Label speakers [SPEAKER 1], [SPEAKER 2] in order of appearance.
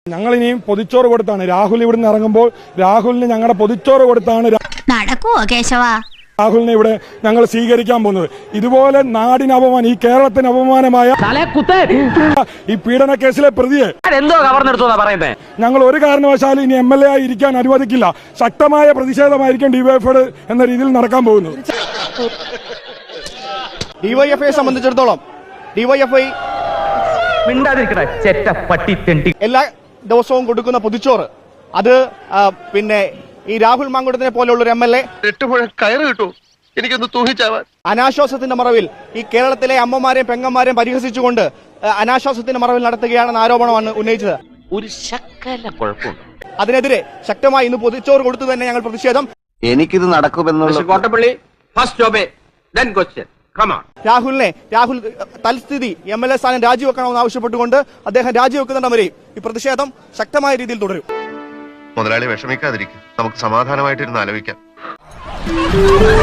[SPEAKER 1] ഞങ്ങൾ ഇനിയും പൊതിച്ചോറ് കൊടുത്താണ് രാഹുൽ ഇവിടുന്ന് ഇറങ്ങുമ്പോൾ രാഹുലിന് ഞങ്ങളുടെ പൊതിച്ചോറ് കൊടുത്താണ്
[SPEAKER 2] നടക്കുവോ കേശവ
[SPEAKER 1] രാഹുലിനെ ഇവിടെ ഞങ്ങൾ സ്വീകരിക്കാൻ പോകുന്നത്. ഇതുപോലെ നാടിന് അപമാനം, ഈ കേരളത്തിന് അപമാനമായ ഈ പീഡന കേസിലെ പ്രതിയെ ഞങ്ങൾ ഒരു കാരണവശാലും ഇനി MLA ആയി ഇരിക്കാൻ അനുവദിക്കില്ല. ശക്തമായ പ്രതിഷേധമായിരിക്കും ഡിവൈഎഫ്ഐ എന്ന രീതിയിൽ നടക്കാൻ പോകുന്നത്.
[SPEAKER 3] ഡിവൈഎഫ്ഐയെ സംബന്ധിച്ചിടത്തോളം ഡിവൈഎഫ്ഐ എല്ലാ ദിവസവും കൊടുക്കുന്ന പൊതിച്ചോറ് അത് പിന്നെ ഈ രാഹുൽ മാങ്കുടത്തിനെ പോലെയുള്ള ഒരു MLA
[SPEAKER 4] കയറ് കിട്ടൂ എനിക്കൊന്ന് തൂങ്ങിച്ചാവാൻ
[SPEAKER 3] അനാശ്വാസത്തിന്റെ മറവിൽ ഈ കേരളത്തിലെ അമ്മമാരെയും പെങ്ങന്മാരെയും പരിഹസിച്ചുകൊണ്ട് അനാശ്വാസത്തിന്റെ മറവിൽ നടത്തുകയാണെന്ന ആരോപണമാണ് ഉന്നയിച്ചത്.
[SPEAKER 4] ഒരു ശക്കല കുഴപ്പമുണ്ട്.
[SPEAKER 3] അതിനെതിരെ ശക്തമായി ഇന്ന് പൊതിച്ചോറ് കൊടുത്തു തന്നെ ഞങ്ങൾ പ്രതിഷേധം.
[SPEAKER 5] എനിക്കിത് നടക്കുമെന്നുള്ള
[SPEAKER 4] കോട്ടപ്പള്ളി ഫസ്റ്റ് ജോബേ ദെൻ ക്വസ്റ്റ്യൻ
[SPEAKER 3] രാഹുൽ തൽസ്ഥിതി MLA സ്ഥാനം രാജിവെക്കണമെന്ന് ആവശ്യപ്പെട്ടുകൊണ്ട് അദ്ദേഹം രാജിവെക്കുന്നുണ്ട് വരെയും ഈ പ്രതിഷേധം ശക്തമായ രീതിയിൽ തുടരും.
[SPEAKER 6] മുതലാളി വിഷമിക്കാതിരിക്കും, നമുക്ക് സമാധാനമായിട്ടിരുന്ന് ആലോചിക്കാം.